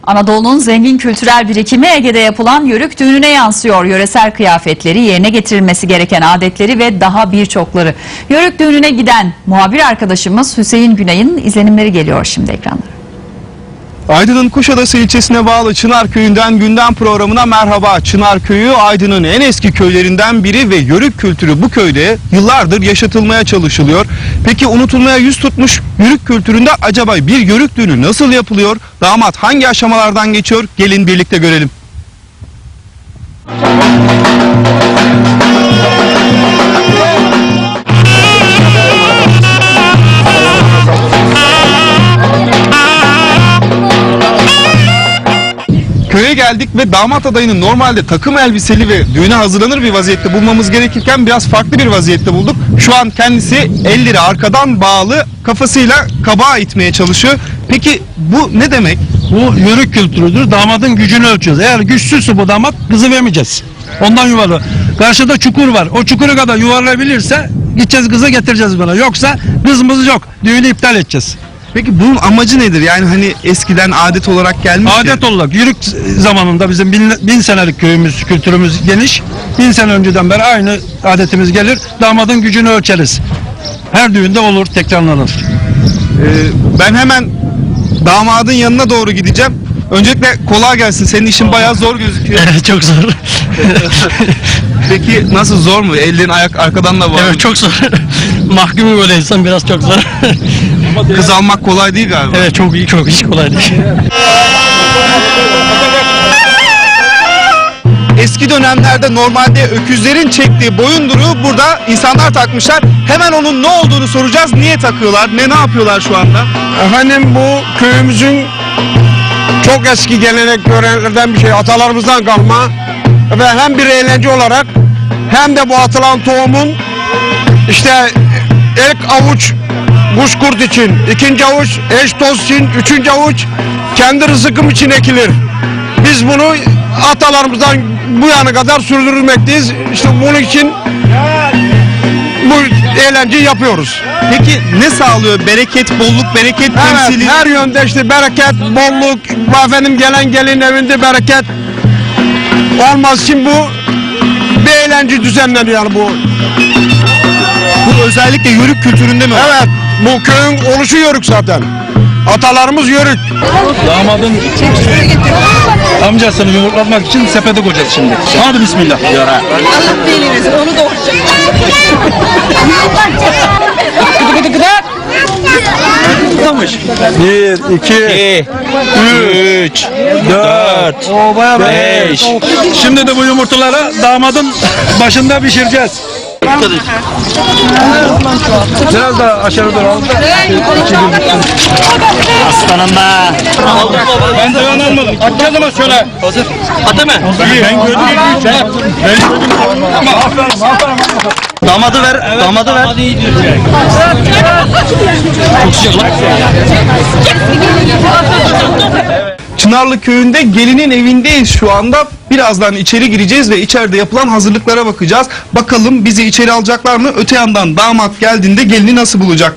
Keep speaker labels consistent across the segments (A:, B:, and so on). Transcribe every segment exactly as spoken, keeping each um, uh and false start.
A: Anadolu'nun zengin kültürel birikimi Ege'de yapılan Yörük düğününe yansıyor. Yöresel kıyafetleri, yerine getirilmesi gereken adetleri ve daha birçokları. Yörük düğününe giden muhabir arkadaşımız Hüseyin Günay'ın izlenimleri geliyor şimdi ekranlara.
B: Aydın'ın Kuşadası ilçesine bağlı Çınar Köyü'nden gündem programına merhaba. Çınar Köyü Aydın'ın en eski köylerinden biri ve Yörük kültürü bu köyde yıllardır yaşatılmaya çalışılıyor. Peki unutulmaya yüz tutmuş Yörük kültüründe acaba bir Yörük düğünü nasıl yapılıyor? Damat hangi aşamalardan geçiyor? Gelin birlikte görelim. Köye geldik ve damat adayını normalde takım elbiseli ve düğüne hazırlanır bir vaziyette bulmamız gerekirken biraz farklı bir vaziyette bulduk. Şu an kendisi elleri arkadan bağlı, kafasıyla kabağa itmeye çalışıyor. Peki bu ne demek?
C: Bu Yörük kültürüdür. Damadın gücünü ölçüyoruz. Eğer güçsüzse bu damat kızı vermeyeceğiz. Ondan yuvarla. Karşıda çukur var. O çukuru kadar yuvarlayabilirse gideceğiz kızı getireceğiz bana. Yoksa kızımız yok. Düğünü iptal edeceğiz.
B: Peki bunun amacı nedir? Yani hani eskiden adet olarak gelmiş
C: Adet
B: ya.
C: olarak Yörük zamanında bizim bin, bin senelik köyümüz, kültürümüz geniş. Bin sene önceden beri aynı adetimiz gelir. Damadın gücünü ölçeriz. Her düğünde olur, tekrarlanır.
B: Ee, ben hemen damadın yanına doğru gideceğim. Öncelikle kolay gelsin. Senin işin bayağı zor gözüküyor.
C: Evet, çok zor.
B: Peki nasıl, zor mu? Ellerin ayak arkadan da var.
C: Evet, çok zor. Mahkumu böyle insan biraz çok zor.
B: Kız almak kolay değil galiba.
C: Evet, çok iyi, çok hiç kolay değil.
B: Eski dönemlerde normalde öküzlerin çektiği boyunduruğu burada insanlar takmışlar. Hemen onun ne olduğunu soracağız. Niye takıyorlar? Ne ne yapıyorlar şu anda?
D: Efendim, bu köyümüzün çok eski gelenek göreneklerden bir şey, atalarımızdan kalma ve hem bir eğlence olarak hem de bu atılan tohumun işte ilk avuç kuşkurt için, ikinci avuç eş toz için, üçüncü avuç kendi rızkım için ekilir. Biz bunu atalarımızdan bu yana kadar sürdürmekteyiz. İşte bunun için bu eğlenceyi yapıyoruz.
B: Peki ne sağlıyor? Bereket, bolluk, bereket
D: Evet,
B: temsili.
D: her yönde işte bereket, bolluk, efendim gelen gelin evinde bereket olmaz için bu bir eğlence düzenleniyor yani bu.
B: Bu özellikle Yörük kültüründe mi?
D: Evet, bu köyün oluşu Yörük zaten. Atalarımız Yörük.
C: Damadın amcasını yumurtlatmak için sepete koyacağız şimdi. Hadi bismillah.
E: Allah belanı, onu da Gıdı gıdı gıdı.
C: Bir, iki, üç, dört, beş. Şimdi de bu yumurtaları damadın başında pişireceğiz. Biraz daha aşağı doğru al.
F: Aslanım be.
C: Ben de yan almadım. Atacağız ama şöyle.
F: Hazır. Atı mı?
C: Ben gördüm. Ben gördüm. Ama aferin, aferin.
F: Damadı ver. Evet, damadı ver. Çok sıcak.
B: Çınarlı Köyü'nde gelinin evindeyiz şu anda. Birazdan içeri gireceğiz ve içeride yapılan hazırlıklara bakacağız. Bakalım bizi içeri alacaklar mı? Öte yandan damat geldiğinde gelini nasıl bulacak?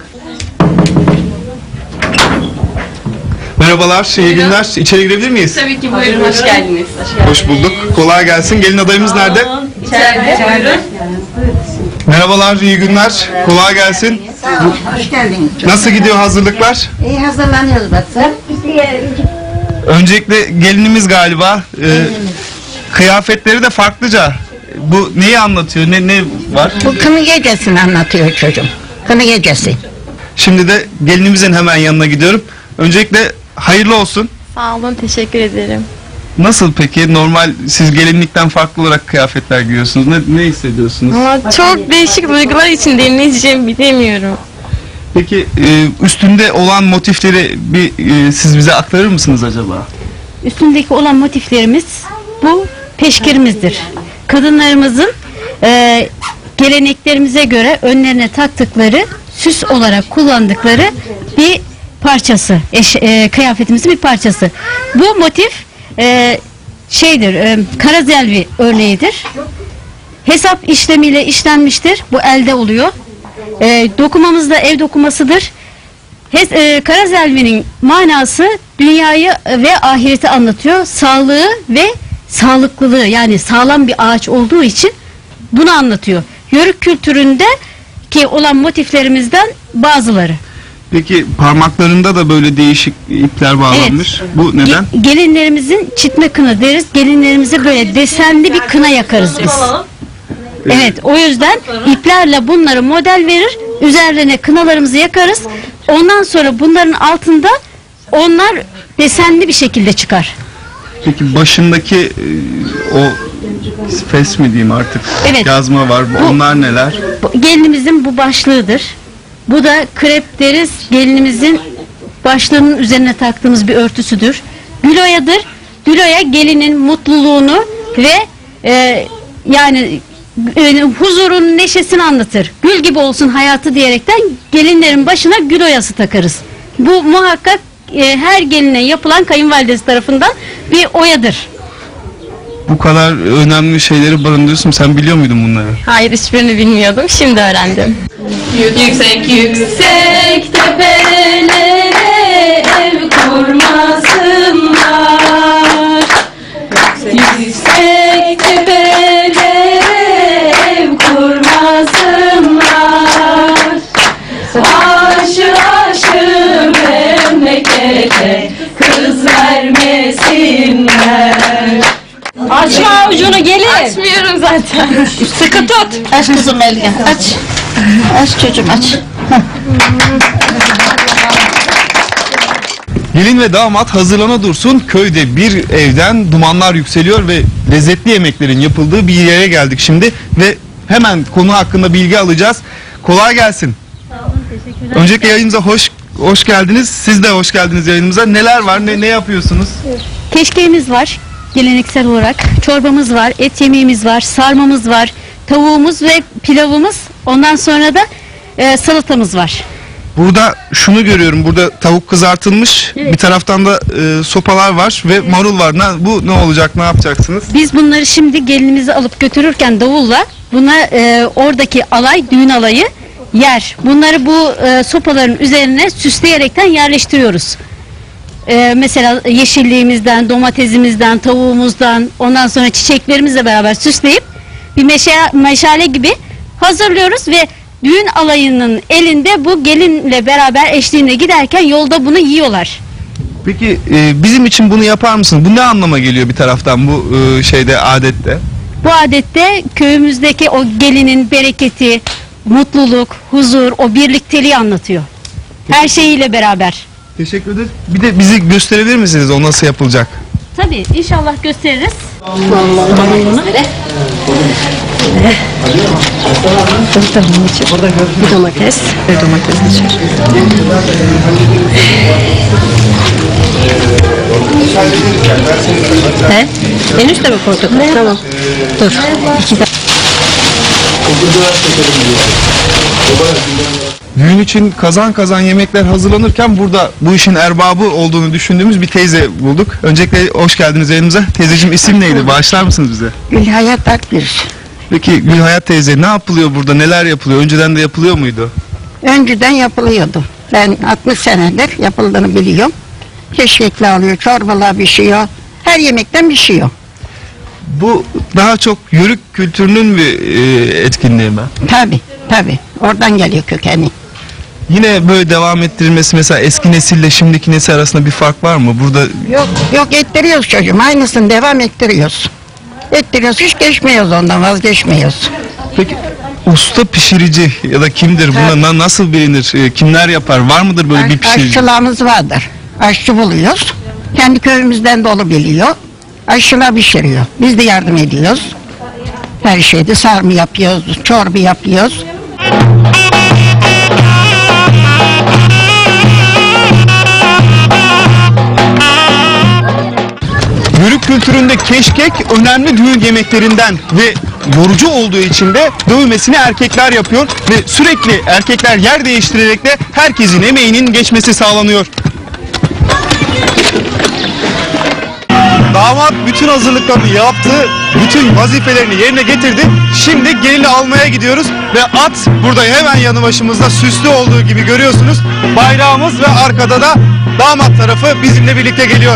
B: Merhabalar, iyi günler. İçeri girebilir miyiz?
E: Tabii ki, buyurun, hoş geldiniz.
B: Hoş bulduk. Kolay gelsin. Gelin adayımız nerede?
E: İçeride, buyurun.
B: Merhabalar, iyi günler. Kolay gelsin.
G: Sağ ol, hoş geldiniz.
B: Nasıl gidiyor hazırlıklar?
G: İyi hazırlanıyoruz Batı.
B: Öncelikle gelinimiz galiba. Ee, kıyafetleri de farklıca. Bu neyi anlatıyor? Ne ne var?
G: Bu kını gecesini anlatıyor çocuğum. Kını gecesi.
B: Şimdi de gelinimizin hemen yanına gidiyorum. Öncelikle hayırlı olsun.
H: Sağ olun, teşekkür ederim.
B: Nasıl peki? Normal siz gelinlikten farklı olarak kıyafetler giyiyorsunuz. Ne, ne hissediyorsunuz?
H: Ama çok değişik duygular içindeyim, ne diyeceğimi bilemiyorum.
B: Peki e, üstünde olan motifleri bir e, siz bize aktarır mısınız acaba?
I: Üstündeki olan motiflerimiz bu peşkirimizdir. Kadınlarımızın e, geleneklerimize göre önlerine taktıkları, süs olarak kullandıkları bir parçası, eş, e, kıyafetimizin bir parçası. Bu motif e, şeydir, e, karazelvi örneğidir. Hesap işlemiyle işlenmiştir. Bu elde oluyor. E, dokumamız da ev dokumasıdır. Hes, e, karazelvinin manası dünyayı ve ahireti anlatıyor. Sağlığı ve sağlıklılığı, yani sağlam bir ağaç olduğu için bunu anlatıyor. Yörük kültüründe ki olan motiflerimizden bazıları.
B: Peki parmaklarında da böyle değişik ipler bağlanmış. Bu neden?
I: Ge- gelinlerimizin çitme kına deriz. Gelinlerimize böyle desenli bir kına yakarız biz. Evet, o yüzden iplerle bunları model verir. Üzerlerine kınalarımızı yakarız. Ondan sonra bunların altında onlar desenli bir şekilde çıkar.
B: Peki başındaki e, o fes mi diyeyim artık?
I: Evet.
B: Yazma var. Bu-
I: Bu-
B: Onlar neler?
I: Bu, gelinimizin bu başlığıdır. Bu da krep deriz. Gelinimizin başlığının üzerine taktığımız bir örtüsüdür. Güloyadır. Güloya gelinin mutluluğunu ve e, yani e, huzurun, neşesini anlatır. Gül gibi olsun hayatı diyerekten gelinlerin başına gül oyası takarız. Bu muhakkak e, her geline yapılan kayınvalidesi tarafından bir oyadır.
B: Bu kadar önemli şeyleri barındırıyorsun. Sen biliyor muydun bunları?
H: Hayır, hiçbirini bilmiyordum. Şimdi öğrendim.
E: Yüksek yüksek tepelere ev kurmasınlar. Yüksek tepelere ev kurmasınlar. Aşı aşı memlekete kız vermesinler.
H: Açma avucunu gelin. Açmıyorum zaten. Sıkı tut.
G: Aç kızım elini, aç. Aç çocuğum, aç.
B: Gelin ve damat hazırlana dursun. Köyde bir evden dumanlar yükseliyor ve lezzetli yemeklerin yapıldığı bir yere geldik şimdi. Ve hemen konu hakkında bilgi alacağız. Kolay gelsin. Öncelikle yayınımıza hoş hoş geldiniz. Siz de hoş geldiniz yayınımıza. Neler var? Ne, ne yapıyorsunuz?
I: Keşkeğimiz var geleneksel olarak. Çorbamız var, et yemeğimiz var, sarmamız var, tavuğumuz ve pilavımız. Ondan sonra da e, salatamız var.
B: Burada şunu görüyorum. Burada tavuk kızartılmış. Bir taraftan da e, sopalar var ve marul var. Ne, bu ne olacak? Ne yapacaksınız?
I: Biz bunları şimdi gelinimizi alıp götürürken davulla buna e, oradaki alay, düğün alayı yer. Bunları bu e, sopaların üzerine süsleyerekten yerleştiriyoruz. E, mesela yeşilliğimizden, domatesimizden, tavuğumuzdan, ondan sonra çiçeklerimizle beraber süsleyip bir meşe, meşale gibi hazırlıyoruz ve düğün alayının elinde bu gelinle beraber eşliğinde giderken yolda bunu yiyorlar.
B: Peki e, bizim için bunu yapar mısınız? Bu ne anlama geliyor bir taraftan bu e, şeyde adette?
I: Bu adette köyümüzdeki o gelinin bereketi, mutluluk, huzur, o birlikteliği anlatıyor. Her şeyiyle beraber.
B: Teşekkür ederiz. Bir de bizi gösterebilir misiniz o nasıl yapılacak?
I: Tabii inşallah gösteririz.
E: Bir domates, bir domates içer. He? En üstte mi koyduk? Tamam. Dur. İki dakika.
B: Düğün için kazan kazan yemekler hazırlanırken burada bu işin erbabı olduğunu düşündüğümüz bir teyze bulduk. Öncelikle hoş geldiniz yayınımıza. Teyzeciğim isim neydi? Bağışlar mısınız bize?
G: Gülhayat Akgüz.
B: Peki Gülhayat teyze ne yapılıyor burada? Neler yapılıyor? Önceden de yapılıyor muydu?
G: Önceden yapılıyordu. Ben altmış senedir yapıldığını biliyorum. Keşkekli alıyor, çorbalar pişiyor. Her yemekten pişiyor.
B: Bu daha çok yörük kültürünün bir e, etkinliği mi?
G: Tabi, tabi. Oradan geliyor kökeni.
B: Yine böyle devam ettirilmesi mesela eski nesille şimdiki nesil arasında bir fark var mı? Burada
G: Yok, yok ettiriyoruz çocuğum. Aynısını devam ettiriyoruz. Ettiriyoruz, hiç geçmiyoruz ondan, vazgeçmiyoruz.
B: peki usta pişirici ya da kimdir? Buna na- nasıl bilinir? E, kimler yapar? Var mıdır böyle bir pişirici?
G: Aşçılığımız vardır. Aşçı buluyoruz. Kendi köyümüzden dolu biliyor. Aşçılar pişiriyor. Biz de yardım ediyoruz. Her şeyde sarma yapıyoruz, çorba yapıyoruz.
B: Yörük kültüründe keşkek önemli düğün yemeklerinden ve yorucu olduğu için de dövmesini erkekler yapıyor ve sürekli erkekler yer değiştirerek de herkesin emeğinin geçmesi sağlanıyor. Damat bütün hazırlıklarını yaptı, bütün vazifelerini yerine getirdi. şimdi gelini almaya gidiyoruz ve at burada hemen yanı başımızda süslü olduğu gibi görüyorsunuz. Bayrağımız ve arkada da damat tarafı bizimle birlikte geliyor.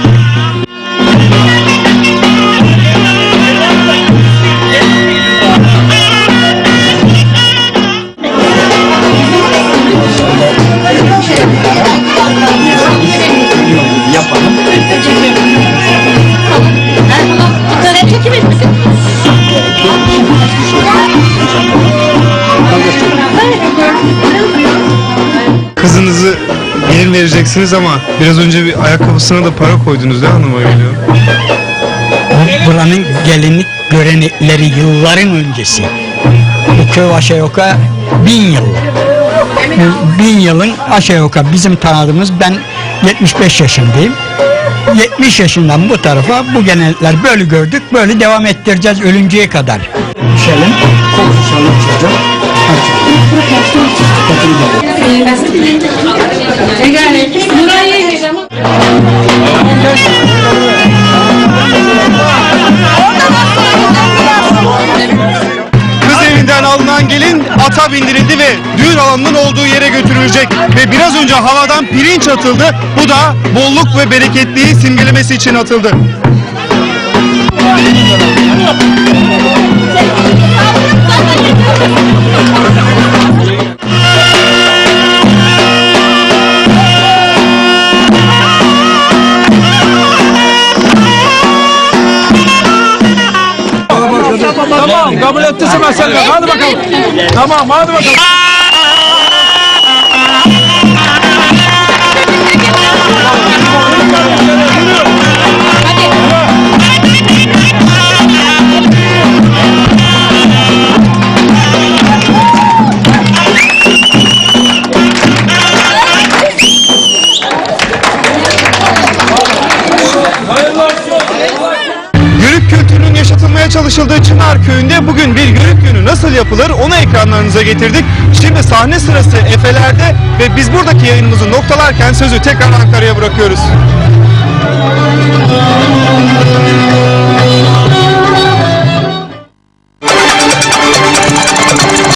B: Kızınızı gelin vereceksiniz ama biraz önce bir ayakkabısına da para koydunuz değil mi hanıma geliyor?
J: Buranın gelinlik görenekleri yılların öncesi. Bu köy aşağı yukarı bin yıl. Bu bin yılın aşağı yukarı bizim tanıdığımız, ben yetmiş beş yaşındayım. yetmiş yaşından bu tarafa bu gelenekler böyle gördük, böyle devam ettireceğiz ölünceye kadar. Şöyle konuşalım çocuğum.
B: Kız evinden alınan gelin ata bindirildi ve düğün alanının olduğu yere götürülecek. Ve biraz önce havadan pirinç atıldı. Bu da bolluk ve bereketliği simgelemesi için atıldı.
C: Tamam, kabul ettiyse mesele. Hadi bakalım. Tamam, hadi bakalım.
B: Yörük kültürünün yaşatılmaya çalışıldığı Çınar Köyü'nde bugün bir yörük günü nasıl yapılır onu ekranlarınıza getirdik. Şimdi sahne sırası Efeler'de ve biz buradaki yayınımızı noktalarken sözü tekrar Ankara'ya bırakıyoruz.